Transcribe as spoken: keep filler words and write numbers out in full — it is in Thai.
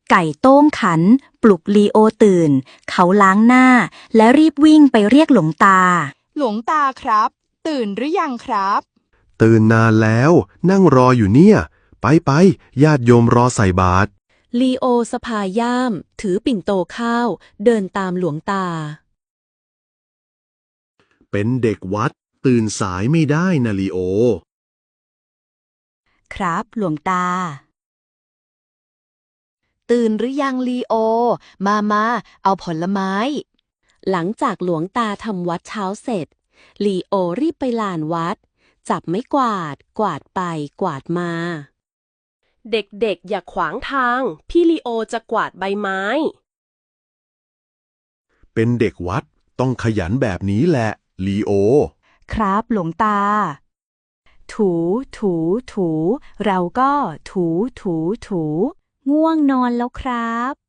ไก่โต้งขันปลุกลีโอตื่นเขาล้างหน้าและรีบวิ่งไปเรียกหลวงตาหลวงตาครับ ตื่นหรือยังครับตื่นนานแล้วนั่งรออยู่เนี่ยไปไปญาติโยมรอใส่บาตรลีโอสะพายย่ามถือปิ่นโตข้าวเดินตามหลวงตาเป็นเด็กวัดตื่นสายไม่ได้นะลีโอครับหลวงตาตื่นหรือยังลีโอมามาเอาผลไม้หลังจากหลวงตาทำวัดเช้าเสร็จลีโอรีบไปลานวัดจับไม้กวาดกวาดไปกวาดมาเด็กๆอย่าขวางทางพี่ลีโอจะกวาดใบไม้เป็นเด็กวัดต้องขยันแบบนี้แหละลีโอครับหลวงตาถูถูถูเราก็ถูถูถูง่วงนอนแล้วครับ